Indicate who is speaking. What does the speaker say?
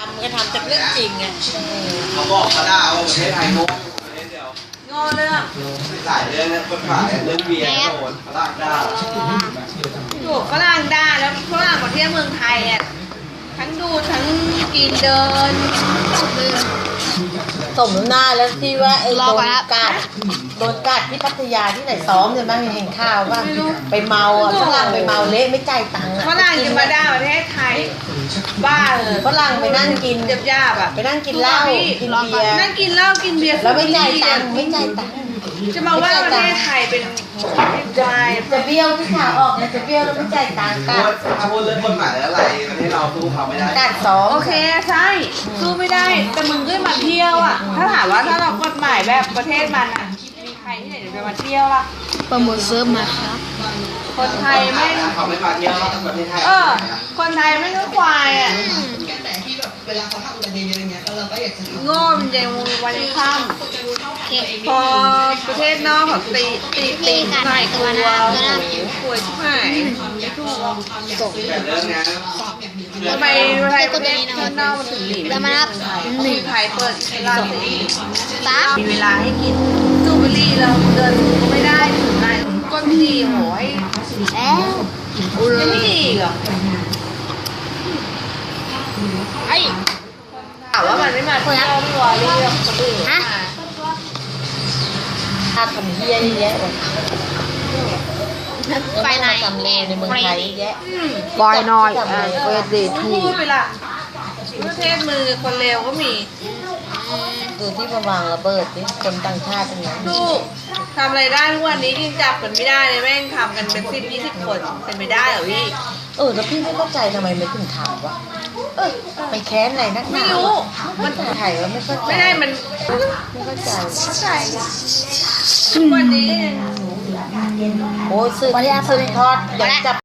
Speaker 1: ำก็ทำจากเรื่องจริงไง
Speaker 2: เขาบอกเขาได้ว่าประเทศไทยโง่ประเทศเดียว
Speaker 3: โง่เรื่อง
Speaker 2: หลายเรื่องนะกฎหมายเรื่องเบียร์โดนฝรั่งได้
Speaker 3: ถูกฝรั่งได้แล้วฝรั่งมาเที่ยวเมืองไทยอ่ะทั้งดูทั้งกินเดิน
Speaker 1: สมหน้าแล้วที่ว่าไอ้โดนกัดที่พัทยาที่ไหนซ้อมใช่ไหมเห็นข่าวป่ะไปเมาอ่ะฝรั่งไปเมาเละไม่จ่ายตังค์อ่ะ
Speaker 3: ฝรั่งจะมาด่าประเทศไทยบ้าเลย
Speaker 1: ฝรั่งไปนั่งกิน
Speaker 3: หยาบๆอ่ะ
Speaker 1: ไปนั่งกินเหล้ากินเบียร์
Speaker 3: นั่งกินเหล้ากินเบียร์
Speaker 1: แล้วไม่จ่ายตังค์ไม่จ่ายตังค์
Speaker 3: จะมาว่าประเทศไทยเป็นวาย
Speaker 1: จะเบี้ยวที่ขาออกนะจะเบี้ยวแล้วไม่จ่ายตังค์กัด
Speaker 2: ถ้าพูดเรื่องกฎหมายอะไรประเทศเราสู้เขาไม่ได้
Speaker 1: กัดซ้อม
Speaker 3: โอเคใช่สู้ไม่ได้แต่มึงก็มาเที่ยวอ่ะถ้าถามว่าถ้าเรากฎหมายแบบประเทศมันอ่ะมีใครที่ไหนจะมาเที่ยวล่ะ
Speaker 4: โปรโมทเซิร์ฟมาครับ
Speaker 3: คนไทยไม่
Speaker 2: เขาไม่มาเที่ยวประเทศไทย
Speaker 3: คนไทยไม่ก็ควายอ่ะ
Speaker 5: แต่ที่แบบเวลาเขาทำอุบัติเหตุอะไรเงี้ยเราก็อยากจะทำ
Speaker 3: โง่มันยังวันยังค่ำพอประเทศนอกเขาตีใส่ตัวป่วยชิบหายไม่ถูก
Speaker 2: แต่เรื่องนี้
Speaker 3: ทำไมประเทศนอกมันถึงหลี
Speaker 4: แล้วมานับหนึ่ง
Speaker 3: ไทยเปิดร้านสี
Speaker 4: สาม
Speaker 3: มีเวลาให้กินสูบบุหรี่เราเดินก็ไม่ได้ถึงไรก้นไม่ดีโหย
Speaker 4: แล้ว
Speaker 3: ยังไม่ดีเหรอ
Speaker 4: ไอ้
Speaker 3: ถามว่ามันไม่มาเที่ยวไม่วอรี่หรอกคนอื่น
Speaker 4: ฮะ
Speaker 1: ถ้าทำเบี้ยเยอะแยะเลย
Speaker 4: ไปไหน
Speaker 1: ทำเลในเมืองไทยเยอะแยะ
Speaker 3: บอยน้อย
Speaker 1: เวทดีทู
Speaker 3: พูดไปละประเทศมือคนเลวก็มี
Speaker 1: ดูที่มาวางระเบิดนี่คนต่างชาติเป็นไง
Speaker 3: ลูกทำอะไรได้ทุกวันนี้ยังจับกันไม่ได้เลยแม่งทำกันเป็น10-20 คนเป็นไม่ได้เหรอพี่
Speaker 1: แล้วพี่ไม่เข้าใจทำไมไม่ถึงถามวะไปแค้นอะไรนักหนา
Speaker 3: ไม่รู้
Speaker 1: มันไทยว่าไม่เข้าใจ
Speaker 3: ไม่ได้มัน
Speaker 1: ไม่เข้าใจ
Speaker 3: เข้าใจทุกวันนี้
Speaker 1: โอ้ยซื้อทอดอยากจับ